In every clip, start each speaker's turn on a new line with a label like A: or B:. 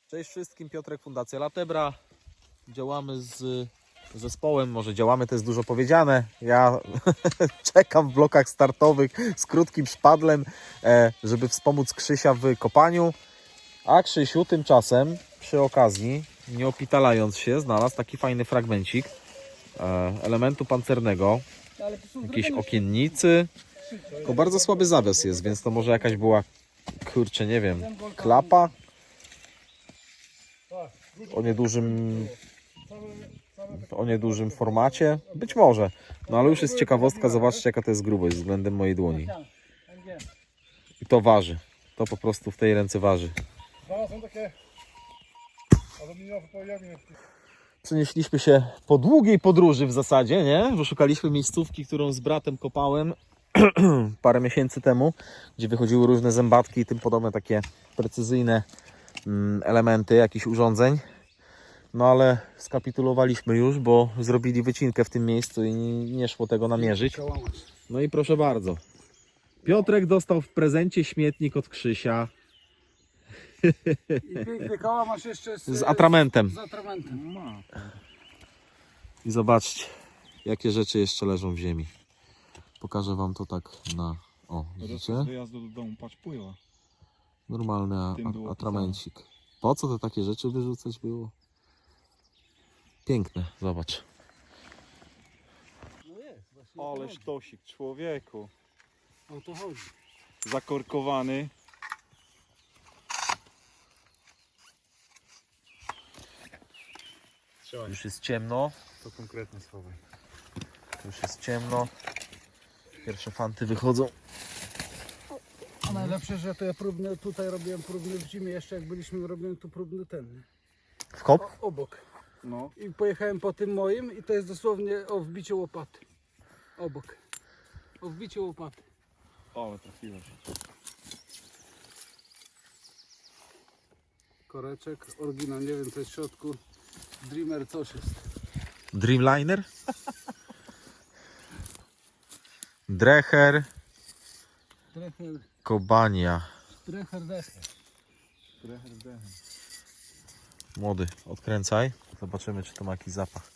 A: Cześć wszystkim, Piotrek, Fundacja Latebra. Działamy z zespołem, może działamy, to jest dużo powiedziane. Ja czekam w blokach startowych z krótkim szpadlem, żeby wspomóc Krzysia w kopaniu. A Krzysiu tymczasem przy okazji, nie opitalając się, znalazł taki fajny fragmencik elementu pancernego, jakiejś okiennicy. Tylko bardzo słaby zawias jest, więc to może jakaś była, kurczę, nie wiem, klapa o niedużym formacie. Być może. No ale już jest ciekawostka, zobaczcie jaka to jest grubość względem mojej dłoni. I to waży. To po prostu w tej ręce waży.
B: Są takie aluminiowe pojemniki.
A: Przenieśliśmy się po długiej podróży w zasadzie, nie? Bo szukaliśmy miejscówki, którą z bratem kopałem parę miesięcy temu, gdzie wychodziły różne zębatki i tym podobne takie precyzyjne elementy jakichś urządzeń. No ale skapitulowaliśmy już, bo zrobili wycinkę w tym miejscu i nie szło tego namierzyć. No i proszę bardzo. Piotrek dostał w prezencie śmietnik od Krzysia.
B: I piękny koła masz jeszcze
A: Z atramentem.
B: Z atramentem.
A: I zobaczcie, jakie rzeczy jeszcze leżą w ziemi. Pokażę wam to tak na... O, widzicie?
B: Z wyjazdu do domu, patrz, pływa.
A: Normalny atramencik. Po co to takie rzeczy wyrzucać było? Piękne, zobacz.
B: No jest, właśnie.
C: Ale sztosik, człowieku.
B: O to chodzi.
C: Zakorkowany.
A: Już jest ciemno.
C: To konkretne słowo.
A: Już jest ciemno. Pierwsze fanty wychodzą.
B: A najlepsze, że to ja próbny, tutaj robiłem próbny w zimie, jeszcze jak byliśmy, robiłem tu próbny ten.
A: W kop?
B: Obok.
C: No.
B: I pojechałem po tym moim i to jest dosłownie o wbiciu łopaty. Obok. O wbiciu łopaty.
C: Ale trafiłeś.
B: Koreczek, oryginał, nie wiem co jest w środku. Dreamer coś jest.
A: Dreamliner? Dreher,
B: Dreher,
A: Kobania.
B: dreher, decher.
A: Młody, odkręcaj. Zobaczymy, czy to ma jakiś zapach.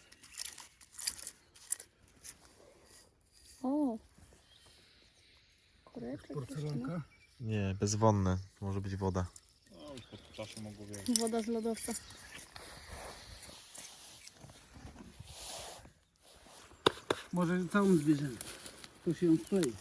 D: O! Koreczek.
B: Porcelanka.
A: Nie, bezwonne. Może być woda.
C: No już pod czasie mogło wiedzieć.
D: Woda z lodowca.
B: Może całą zbierzemy. To się ją klei.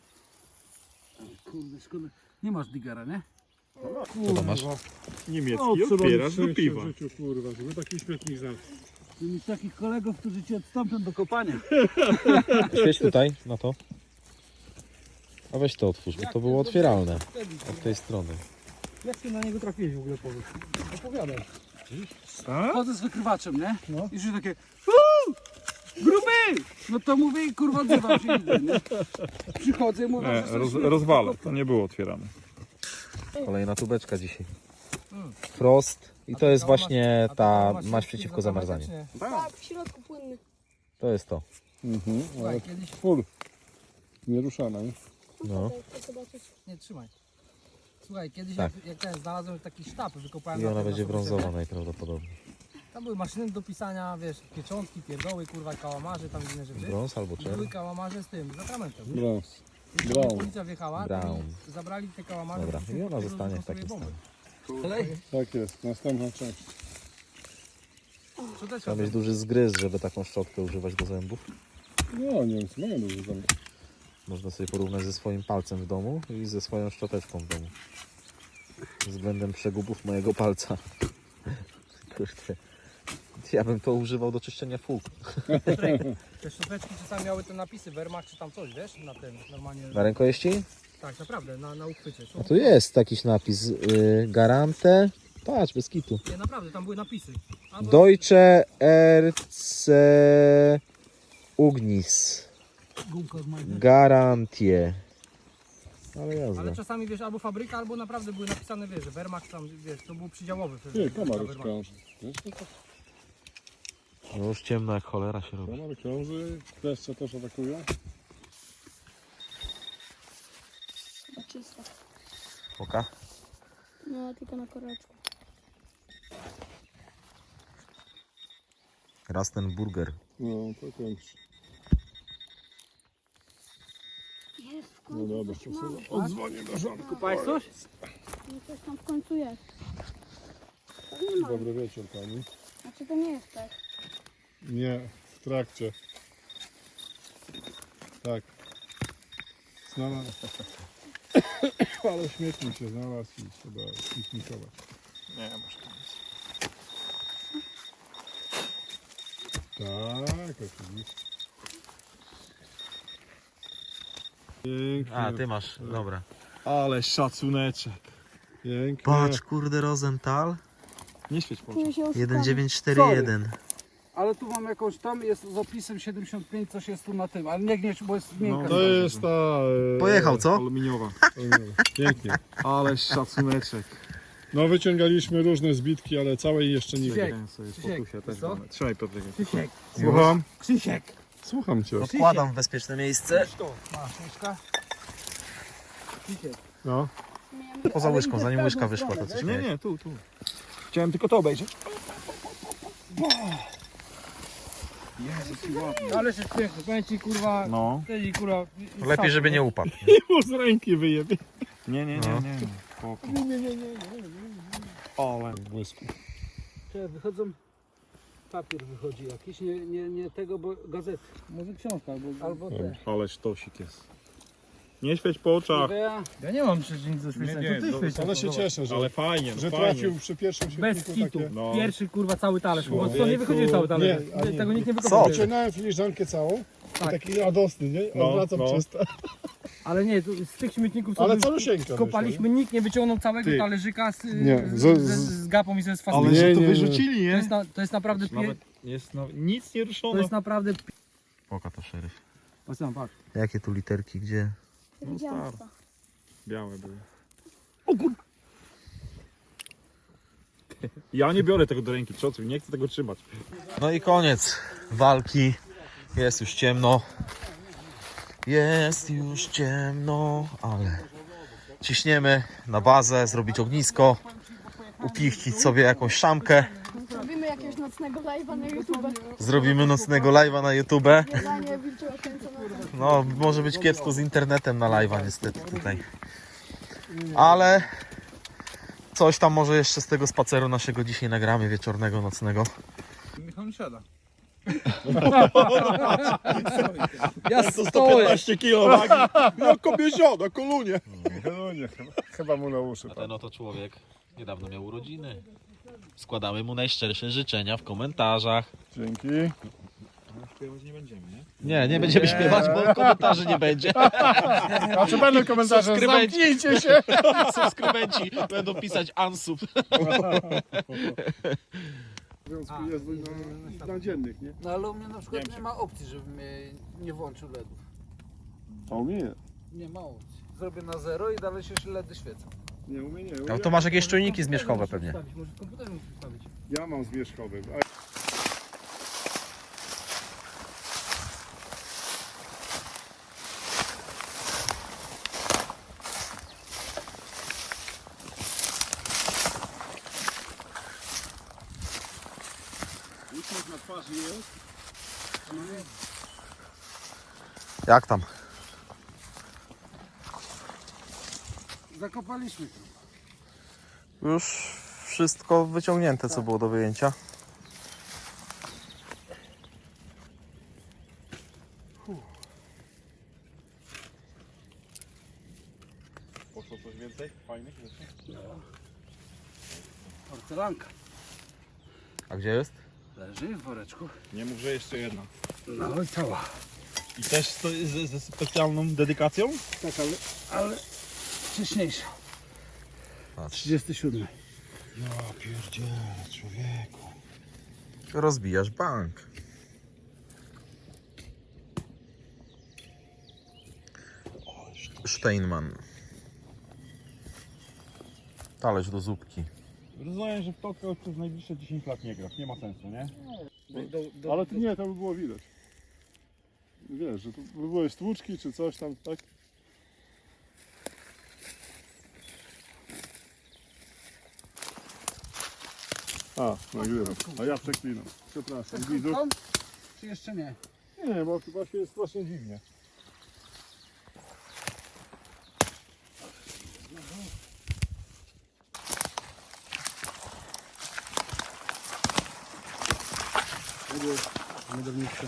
B: O, kurde, szkoda. Nie masz digara, nie?
A: Co to masz?
C: Niemiecki otwierasz do piwa.
B: W życiu, kurwa, żeby taki śmietnik znaleźć. Mieć takich kolegów, którzy cię odstąpią do kopania.
A: Świeć tutaj, na to. A weź to otwórz, bo to było otwieralne. Od tej strony.
B: Jak ty na niego trafiłeś w ogóle, powiedz? Opowiadaj. Chodzę z wykrywaczem, nie? No. I już takie gruby! No to mówię i kurwa odzywam się idę, nie? Przychodzę i mówię, że są śmieci.
C: Rozwala, to nie było otwierane.
A: Kolejna tubeczka dzisiaj. Frost. I to jest właśnie ta maść przeciwko zamarzaniu.
D: Tak, w środku płynny.
A: To jest to.
B: Słuchaj, kiedyś...
C: Full. Nieruszana, nie?
A: No.
D: Chcę zobaczyć.
B: Nie, trzymaj. Słuchaj, kiedyś
A: Tak.
B: jak ten znalazłem taki sztab, wykopałem
A: I
B: na
A: ona
B: tym,
A: będzie
B: na sobie
A: brązowa najprawdopodobniej.
B: Tam były maszyny do pisania, wiesz, pieczątki, pierdoły, kurwa, kałamarze, tam inne rzeczy.
A: Brąz albo
B: I były
A: czerw?
B: kałamarze z tym, z atramentem.
C: Brąz.
B: I
C: Brown.
B: jak policja wjechała, to
A: Brown.
B: mi zabrali te kałamarze.
A: Dobra,
B: po
A: i ona
B: prostu
A: zostanie w
B: sobie
A: takim
B: bomby.
A: stanie.
B: Kolej?
C: Tak jest, następna część.
B: Co też
A: Trzeba mieć duży zgryz, żeby taką szczotkę używać do zębów.
C: No, Niemcy mają dużo tam.
A: Można sobie porównać ze swoim palcem w domu i ze swoją szczoteczką w domu. Względem przegubów mojego palca. Kurde. Ja bym to używał do czyszczenia fug.
B: Te szczoteczki czasami miały te napisy Wehrmacht czy tam coś, wiesz, na tym normalnie.
A: Na rękojeści?
B: Tak, naprawdę, na uchwycie.
A: A tu jest jakiś napis. Garante. Patrz, bez kitu.
B: Nie, naprawdę, tam były napisy. Albo
A: Deutsche RC Ugnis.
B: gumka od Majdy.
A: Garantie. Ale jazda.
B: Ale czasami, wiesz, albo fabryka, albo naprawdę były napisane, wiesz, że Wehrmacht tam, wiesz, to był przydziałowy.
C: Nie, komary krąży.
A: No już ciemno jak cholera się robi.
C: Komary krąży, kleszcze też atakują.
D: Chyba czysta.
A: Oka?
D: No, tylko na koreczku.
A: Rastenburger.
C: No, to kończy.
D: Jest, w
C: No
D: końcu
C: dobra,
D: coś
C: to
D: mam.
C: sobie odzwonię do żonku.
B: Kupałeś coś?
D: No coś tam w końcu jest. To nie ma.
C: Dobry wieczór pani.
D: Znaczy to nie jest tak.
C: Nie, w trakcie. Tak. Znalazł. Ale śmietnik się znalazł i trzeba piknikować.
A: Nie, może tam jest.
C: Tak, oczywiście. Pięknie.
A: A, ty masz, dobra.
C: Ale szacuneczek. Pięknie.
A: Patrz, kurde, Rosenthal.
C: Nie świeć po
D: Czuję się oszukany.
A: 1941.
B: Ale tu mam jakąś, tam jest z opisem 75, coś jest tu na tym, ale nie gnieść, bo jest miękka.
C: To jest ta...
A: Pojechał, co?
C: Aluminiowa. Pięknie. Ale szacuneczek. No wyciągaliśmy różne zbitki, ale całej jeszcze nie
B: Krzysiek,
C: wiem.
B: Krzysiek, co?
C: Trzymaj Piotrek.
B: Krzysiek,
C: Słucham?
B: Krzysiek.
C: Słucham cię.
A: Odkładam w bezpieczne miejsce.
B: Masz łyżka? Krzysiek.
C: No.
A: Poza łyżką, zanim łyżka wyszła, to coś miałeś.
C: tu.
B: Chciałem tylko to obejrzeć. Ale się piękny, powiem ci kurwa,
C: No.
B: tej kurwa.
A: Lepiej, żeby nie upadł.
C: Mu z ręki wyjebie.
A: Nie.
C: Ale w błysku.
B: Czekaj, wychodzą, papier wychodzi jakiś, nie tego, bo gazety. Może książka, albo te.
C: Ale sztosik jest. Nie świeć po oczach.
B: Ja nie mam przecież nic do świecenia, to ty świecisz.
C: Ale się cieszę, że,
E: Ale fajnie,
C: że trafił przy pierwszym
B: Bez
C: świetniku
B: kitu.
C: takie...
E: No.
B: Pierwszy kurwa cały talerz.
C: No.
B: Bo to nie wychodzi cały talerz.
C: Nie, a nie.
B: Tego nikt nie
A: Co?
B: wykopał.
C: Wyciągnąłem filiżankę całą.
B: Tak.
C: Taki radosny, nie?
E: No,
C: Odwracam
E: no.
C: czysta.
B: Ale nie, z tych śmietników co
C: Ale
B: już
C: calusieńka
B: kopaliśmy, nikt nie wyciągnął całego
C: Ty.
B: talerzyka
C: Nie,
B: z gapą i ze sfasolą.
C: Ale że to
E: wyrzucili, nie?
B: To jest naprawdę
E: Nawet jest nic nie
B: to
E: ruszone.
B: jest naprawdę
A: Oka to szeryf.
B: patrz tam, patrz.
A: Jakie tu literki, gdzie?
D: Widziałam to.
E: Białe były. O kur... Ja nie biorę tego do ręki, czocu, nie chcę tego trzymać.
A: No i koniec walki. Jest już ciemno. Jest już ciemno, ale ciśniemy na bazę, zrobić ognisko, upichcić sobie jakąś szamkę.
D: Zrobimy jakiegoś nocnego live'a na YouTube.
A: Zrobimy nocnego live'a na YouTube.
D: Zadanie wilczego końca nocy.
A: No, może być kiepsko z internetem na live'a niestety tutaj. Ale coś tam może jeszcze z tego spaceru naszego dzisiaj nagramy, wieczornego, nocnego.
B: Michał nie siada. Ja stoję.
E: 15 kg wagi. Jak kobiezio, kolunie.
C: Chyba mu na uszy.
A: A ten oto człowiek niedawno miał urodziny. Składamy mu najszczersze życzenia w komentarzach.
C: Dzięki.
E: Śpiewać nie będziemy, nie?
A: Nie będziemy śpiewać, bo komentarzy nie będzie.
C: A czy będą komentarze?
A: Subskrybenci.
C: Zamknijcie się!
A: Subskrybenci będą pisać unsub.
C: Związku jest na dziennych, nie?
B: No ale u mnie na przykład nie ma opcji, żebym nie włączył LEDów.
C: A u mnie nie.
B: Nie ma opcji. Zrobię na 0 i dalej się LEDy świecą.
C: Nie, u mnie nie.
A: No to masz jakieś czujniki zmierzchowe pewnie.
B: Może w komputerze musisz wstawić.
C: Ja mam zmierzchowy. Uśmiech na twarzy jest.
A: Jak tam?
B: Zakopaliśmy to.
A: Już wszystko wyciągnięte, co było do wyjęcia.
E: Poszło coś więcej? Fajnych rzeczy?
B: Porcelanka.
A: A gdzie jest?
B: Leży w woreczku.
E: Nie mów, że jeszcze jedna.
B: No i cała.
E: I też to jest ze specjalną dedykacją?
B: Tak, ale wcześniejsza.
A: Patrz.
B: 37.
E: Ja pierdzielę, człowieku.
A: Rozbijasz bank. Steinman. Talerz do zupki.
E: Rozumiem, że w to przez najbliższe 10 lat nie grasz, nie ma sensu, nie?
C: Ale to nie, to by było widać. Wiesz, że to by były stłuczki czy coś tam, tak? A, nagrywam. A ja przeklinam. Przepraszam, widzów.
B: Tam? Czy jeszcze nie?
C: Nie, bo chyba się jest strasznie dziwnie.
B: Miodowniczka.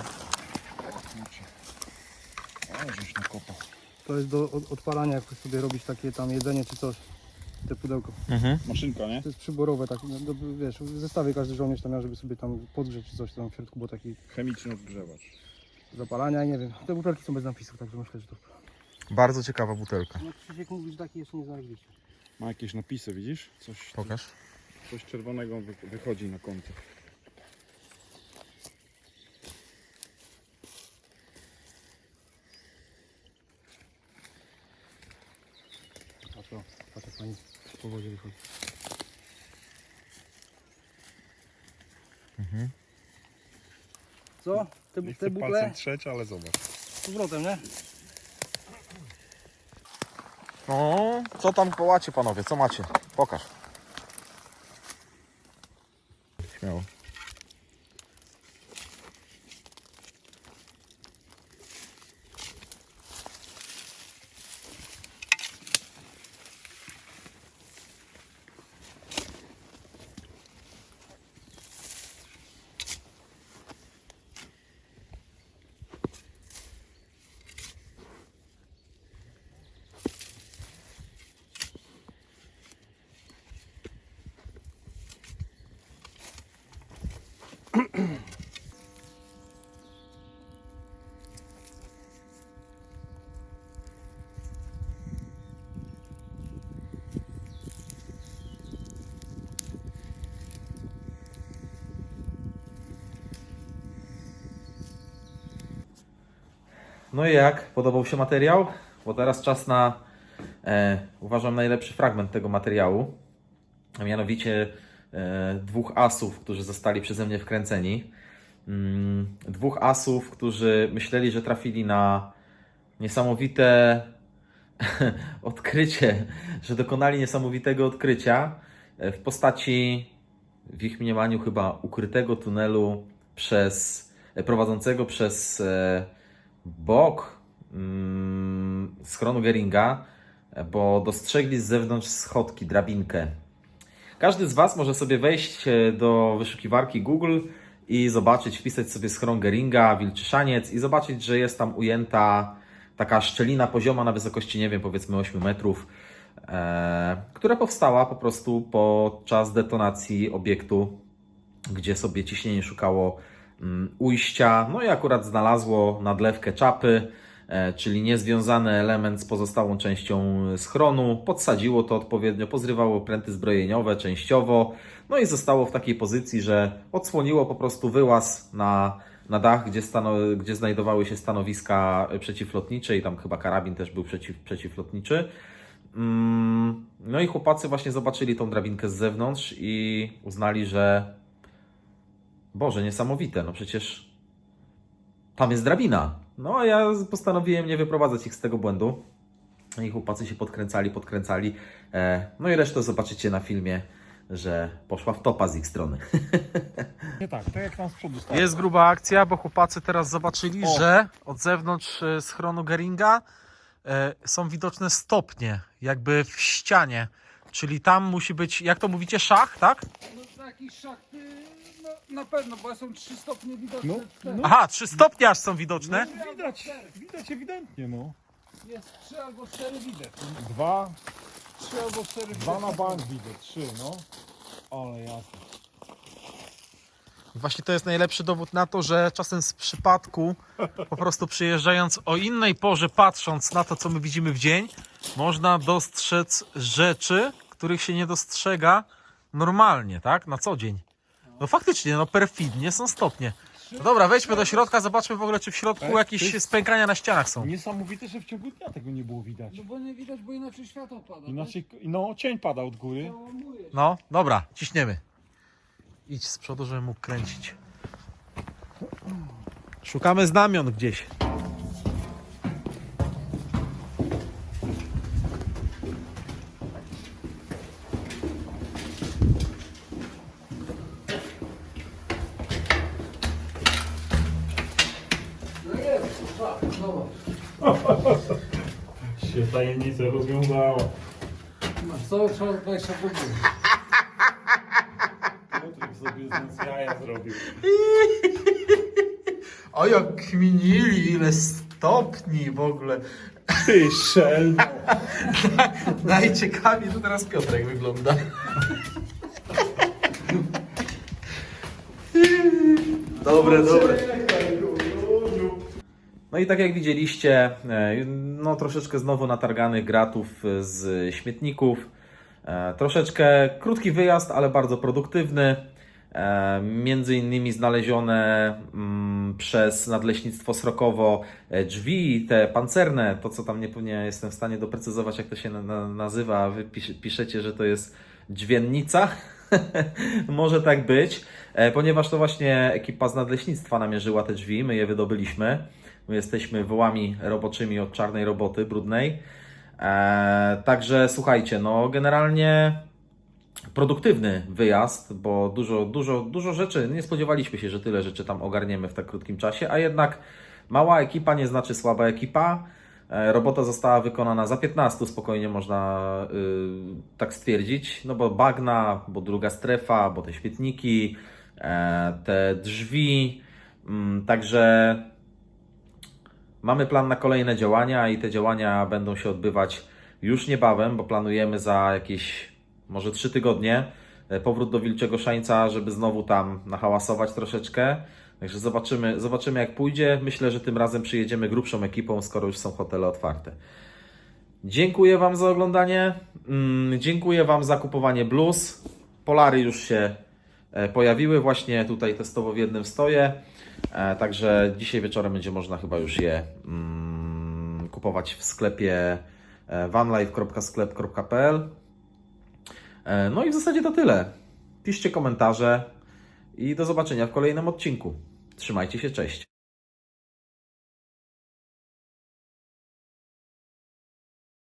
C: A, żeś nakopał.
E: To jest do odpalania, jak sobie robić takie tam jedzenie czy coś. Te pudełko.
C: Maszynka, nie?
E: To jest przyborowe, tak, no, wiesz, w zestawie każdy żołnierz tam miał, żeby sobie tam podgrzeć czy coś tam w środku, bo taki
C: Chemiczny odgrzewacz.
E: zapalania, nie wiem. Te butelki są bez napisów, także myślę, że to...
A: Bardzo ciekawa butelka.
E: No Krzysiek mówi, że taki jeszcze nie znaleźliście.
C: Ma jakieś napisy, widzisz?
A: Pokaż.
C: Coś czerwonego wychodzi na końcu.
E: A to, patrz jak pani po wodzie wychodzi. Co?
C: Nie
E: Te
C: chcę
E: butle
C: palcem trzeć, ale zobacz.
E: z powrotem, nie?
A: No, co tam wołacie panowie, co macie? Pokaż. Śmiało. No i jak? Podobał się materiał? Bo teraz czas na, uważam, najlepszy fragment tego materiału. A mianowicie dwóch asów, którzy zostali przeze mnie wkręceni. Dwóch asów, którzy myśleli, że trafili na niesamowite odkrycie, że dokonali niesamowitego odkrycia w postaci, w ich mniemaniu chyba, ukrytego tunelu prowadzącego przez bok schronu Geringa, bo dostrzegli z zewnątrz schodki, drabinkę. Każdy z Was może sobie wejść do wyszukiwarki Google i zobaczyć, wpisać sobie schron Geringa, Wilczy Szaniec i zobaczyć, że jest tam ujęta taka szczelina pozioma na wysokości, nie wiem, powiedzmy 8 metrów, która powstała po prostu podczas detonacji obiektu, gdzie sobie ciśnienie szukało ujścia, no i akurat znalazło nadlewkę czapy, czyli niezwiązany element z pozostałą częścią schronu, podsadziło to odpowiednio, pozrywało pręty zbrojeniowe częściowo, no i zostało w takiej pozycji, że odsłoniło po prostu wyłaz na dach, gdzie znajdowały się stanowiska przeciwlotnicze i tam chyba karabin też był przeciwlotniczy. No i chłopacy właśnie zobaczyli tą drabinkę z zewnątrz i uznali, że Boże, niesamowite, no przecież tam jest drabina. No a ja postanowiłem nie wyprowadzać ich z tego błędu. I chłopacy się podkręcali. No i resztę zobaczycie na filmie, że poszła w topa z ich strony.
C: Nie tak jak tam z przodu stało.
A: Jest gruba akcja, bo chłopacy teraz zobaczyli, że od zewnątrz schronu Geringa są widoczne stopnie, jakby w ścianie. Czyli tam musi być, jak to mówicie, szach, tak?
B: No taki szachty, no na pewno, bo są 3 stopnie widoczne.
C: No.
A: Aha, 3 stopnie aż są widoczne.
C: Widać ewidentnie, no.
B: Jest 3 albo 4 widać. 3 albo 4 widać.
C: Dwa na bank widać, 3, no. Ale jasne.
A: Właśnie to jest najlepszy dowód na to, że czasem z przypadku, po prostu przyjeżdżając o innej porze, patrząc na to, co my widzimy w dzień, można dostrzec rzeczy, których się nie dostrzega normalnie, tak? Na co dzień. No faktycznie, no perfidnie są stopnie. No dobra, wejdźmy do środka, zobaczmy w ogóle, czy w środku jakieś spękania na ścianach są.
C: Niesamowite, że w ciągu dnia tego nie było widać.
B: No bo nie widać, bo inaczej światło pada.
C: Inaczej, no cień pada od góry.
B: Załamuje.
A: No, dobra, ciśniemy. Idź z przodu, żebym mógł kręcić. Szukamy znamion gdzieś.
B: Zobacz.
C: Się tajemnica rozwiązała.
B: Masz cały czas 20 rubli.
C: Piotrek sobie z nas jaja zrobił.
A: O jak kminili, ile stopni w ogóle.
C: Ty szelmo.
A: Najciekawiej to teraz Piotrek wygląda. Dobre. No i tak jak widzieliście, no troszeczkę znowu natarganych gratów z śmietników. Troszeczkę krótki wyjazd, ale bardzo produktywny. Między innymi znalezione przez Nadleśnictwo Srokowo drzwi, te pancerne, to co tam nie jestem w stanie doprecyzować, jak to się nazywa, wy piszecie, że to jest dźwiennica. Może tak być, ponieważ to właśnie ekipa z Nadleśnictwa namierzyła te drzwi, my je wydobyliśmy. My jesteśmy wołami roboczymi od czarnej roboty, brudnej. Także słuchajcie, no generalnie produktywny wyjazd, bo dużo rzeczy, nie spodziewaliśmy się, że tyle rzeczy tam ogarniemy w tak krótkim czasie, a jednak mała ekipa nie znaczy słaba ekipa. Robota została wykonana za 15, spokojnie można tak stwierdzić, no bo bagna, bo druga strefa, bo te świetniki, te drzwi, także mamy plan na kolejne działania i te działania będą się odbywać już niebawem, bo planujemy za jakieś może 3 tygodnie powrót do Wilczego Szańca, żeby znowu tam nahałasować troszeczkę. Także zobaczymy jak pójdzie. Myślę, że tym razem przyjedziemy grubszą ekipą, skoro już są hotele otwarte. Dziękuję Wam za oglądanie. Dziękuję Wam za kupowanie bluz. Polary już się pojawiły. Właśnie tutaj testowo w jednym stoję. Także dzisiaj wieczorem będzie można chyba już je kupować w sklepie vanlife.sklep.pl. No i w zasadzie to tyle. Piszcie komentarze i do zobaczenia w kolejnym odcinku. Trzymajcie się, cześć.